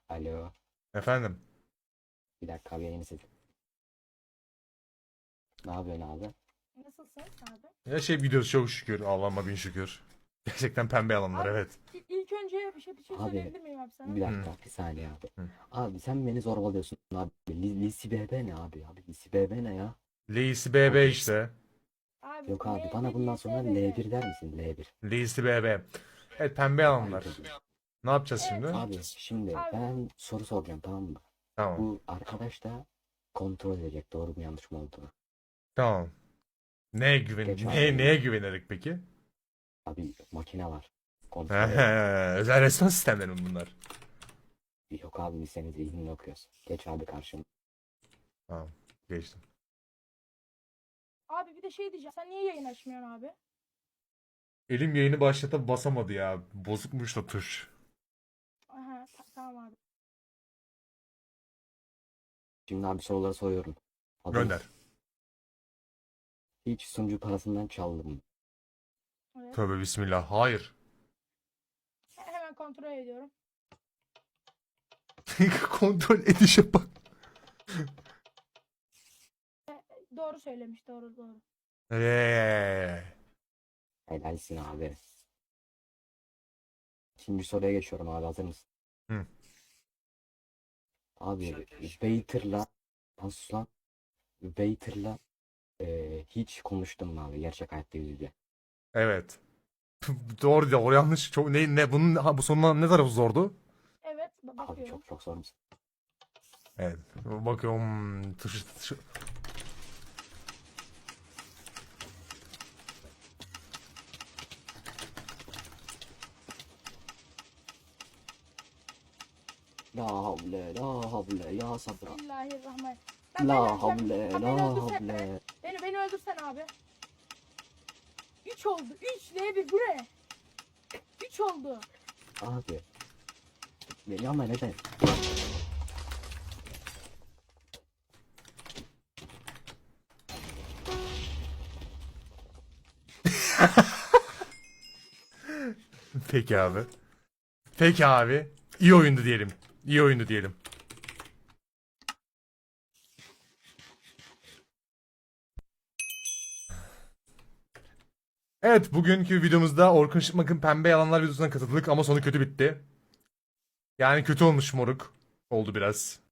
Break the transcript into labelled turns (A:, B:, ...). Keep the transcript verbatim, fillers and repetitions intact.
A: Alo.
B: Efendim.
A: Bir dakika abi yayını seçtim. Ne yapıyorsun abi?
C: Nasılsın abi?
B: Ya şey gidiyoruz çok şükür. Allah'ıma bin şükür. Gerçekten pembe alanlar
C: Abi
B: evet.
C: i- ilk önce bir şey bir şey
A: Abi
C: söyleyebilir miyim abi sana?
A: bir
B: Hı.
A: dakika bir saniye abi.
B: Hı.
A: Abi sen beni zorbalıyorsun abi. Li- Lisi B B ne abi? Abi Lisi B B ne ya?
B: Lisi B B
A: Abi,
B: işte.
C: Abi
A: yok abi
C: L
A: bana bundan sonra
C: L
A: L bir der misin? L bir.
B: Lisi B B. Evet pembe alanlar.
A: Haydi.
B: Ne yapacağız
C: Evet.
B: şimdi?
A: Abi şimdi
C: Abi.
A: ben soru soracağım, tamam mı?
B: Tamam.
A: Bu arkadaş da kontrol edecek doğru mu yanlış mı olduğunu.
B: Tamam. Neye güven
A: Geç
B: ne,
A: abi.
B: neye güvenerek peki?
A: Abi makine var. Kontrol edecek.
B: Özel restoran sistemleri mi bunlar?
A: Yok abi biz senin zihnini okuyoruz. Geç abi karşıma.
B: Tamam. Geçtim.
C: Abi bir de şey diyeceğim. Sen niye yayın açmıyorsun abi?
B: Elim yayını başlata basamadı ya. Bozukmuş da tuş.
C: Aha ta- tamam abi.
A: Şimdi abi soruları soruyorum. Hazır
B: Gönder.
A: mısın? Hiç sunucu parasından çaldım mı?
C: Evet.
B: Tövbe bismillah. Hayır.
C: He- Hemen kontrol ediyorum.
B: Kontrol edişe bak.
C: Doğru söylemiş doğru doğru.
B: Eee.
A: Helalsin abi. İkinci soruya geçiyorum abi, hazır mısın?
B: Hı.
A: Abi Waiter'la nasıl lan? Waiter'la eee, hiç konuştun mu abi gerçek hayatta yüz yüze?
B: Evet. Doğru doğru yanlış. Çok ne ne bunun ha, bu sonuna ne tarafı zordu?
C: Evet ba-
A: Abi
C: bakıyorum.
A: çok çok zor musun?
B: Evet. Bakıyorum. Tışı, tışı.
A: La havle la havle ya sabra.
C: Bismillahirrahmanirrahim. Ben
A: La
C: beni-
A: havle
C: sen
A: la
C: beni öldürsen,
A: havle.
C: beni, beni öldürsen abi. üç oldu. üç L bir bu ne? üç oldu.
A: Abi. Beni ama neden?
B: Peki abi. Peki abi. İyi oyundu diyelim. İyi oyundu diyelim. Evet, bugünkü videomuzda Orkun Şıkmak'ın Pembe Yalanlar videosuna katıldık ama sonu kötü bitti. Yani kötü olmuş moruk. Oldu biraz.